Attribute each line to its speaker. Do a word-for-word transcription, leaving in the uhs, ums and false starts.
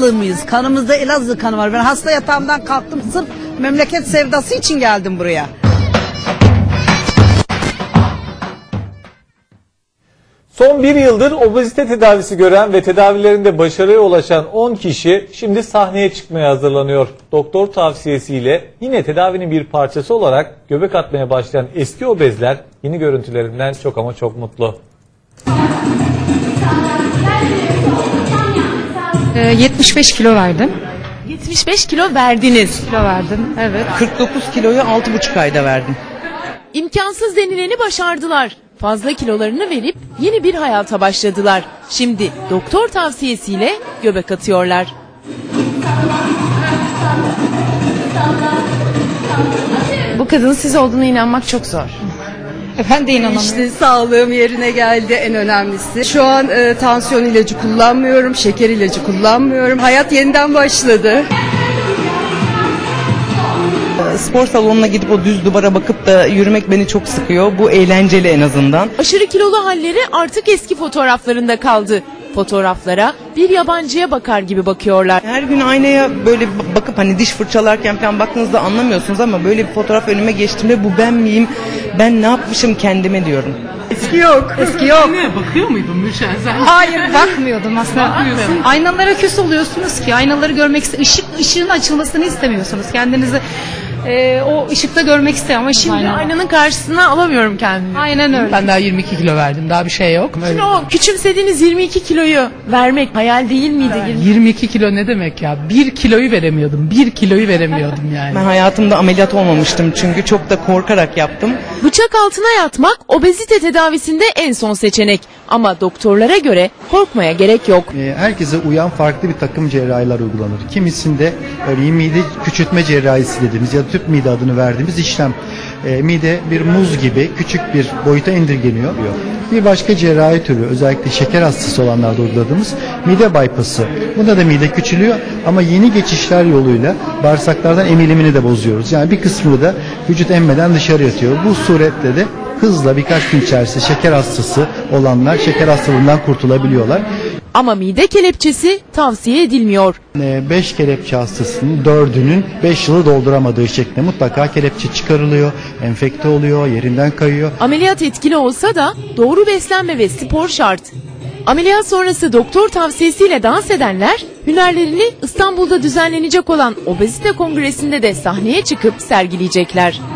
Speaker 1: Elazığlıyız. Kanımızda Elazığ kanı var. Ben hasta yatağımdan kalktım. Sırf memleket sevdası için geldim buraya.
Speaker 2: Son bir yıldır obezite tedavisi gören ve tedavilerinde başarıya ulaşan on kişi şimdi sahneye çıkmaya hazırlanıyor. Doktor tavsiyesiyle yine tedavinin bir parçası olarak göbek atmaya başlayan eski obezler yeni görüntülerinden çok ama çok mutlu.
Speaker 3: yetmiş beş kilo verdim.
Speaker 4: yetmiş beş kilo verdiniz.
Speaker 3: Kilo verdim, evet.
Speaker 5: kırk dokuz kiloyu altı buçuk ayda verdim.
Speaker 4: İmkansız denileni başardılar. Fazla kilolarını verip yeni bir hayata başladılar. Şimdi doktor tavsiyesiyle göbek atıyorlar.
Speaker 3: Bu kadının siz olduğuna inanmak çok zor. Ben de inanamıyorum.
Speaker 6: İşte sağlığım yerine geldi, en önemlisi. Şu an e, tansiyon ilacı kullanmıyorum, şeker ilacı kullanmıyorum. Hayat yeniden başladı.
Speaker 5: Spor salonuna gidip o düz duvara bakıp da yürümek beni çok sıkıyor. Bu eğlenceli en azından.
Speaker 4: Aşırı kilolu halleri artık eski fotoğraflarında kaldı. Fotoğraflara bir yabancıya bakar gibi bakıyorlar.
Speaker 5: Her gün aynaya böyle bakıp hani diş fırçalarken falan baktığınızda anlamıyorsunuz ama böyle bir fotoğraf önüme geçtiğimde bu ben miyim? Ben ne yapmışım kendime diyorum.
Speaker 6: Eski yok.
Speaker 3: Eski yok.
Speaker 7: Bakıyor muydun Mürşen sen?
Speaker 3: Hayır, bakmıyordum aslında. Aynalara küs oluyorsunuz ki. Aynaları görmek iste- ışık ışığın açılmasını istemiyorsunuz. Kendinizi e, o ışıkta görmek istiyor ama şimdi
Speaker 4: Şimdi aynanın karşısına alamıyorum kendimi.
Speaker 3: aynen öyle.
Speaker 7: Ben daha yirmi iki kilo verdim. Daha bir şey yok.
Speaker 4: Şimdi o küçümsediğiniz yirmi iki kiloyu vermek hayal değil miydi?
Speaker 7: yirmi iki kilo ne demek ya? bir kiloyu veremiyordum. bir kiloyu veremiyordum yani.
Speaker 5: Ben hayatımda ameliyat olmamıştım çünkü çok da korkarak yaptım.
Speaker 4: Bıçak altına yatmak obezite tedavisinde en son seçenek. Ama doktorlara göre korkmaya gerek yok.
Speaker 8: Herkese uyan farklı bir takım cerrahiler uygulanır. Kimisinde örneğin mide küçültme cerrahisi dediğimiz ya da tüp mide adını verdiğimiz işlem. E, mide bir muz gibi küçük bir boyuta indirgeniyor. Bir başka cerrahi türü özellikle şeker hastası olanlarda uyguladığımız mide bypass'ı. Bunda da mide küçülüyor ama yeni geçişler yoluyla bağırsaklardan emilimini de bozuyoruz. Yani bir kısmını da vücut emmeden dışarı atıyor. Bu suretle de hızla birkaç gün içerisinde şeker hastası olanlar şeker hastalığından kurtulabiliyorlar.
Speaker 4: Ama mide kelepçesi tavsiye edilmiyor.
Speaker 8: beş kelepçe hastasının dördünün beş yılı dolduramadığı şeklinde mutlaka kelepçe çıkarılıyor, enfekte oluyor, yerinden kayıyor.
Speaker 4: Ameliyat etkili olsa da doğru beslenme ve spor şart. Ameliyat sonrası doktor tavsiyesiyle dans edenler hünerlerini İstanbul'da düzenlenecek olan Obezite Kongresi'nde de sahneye çıkıp sergileyecekler.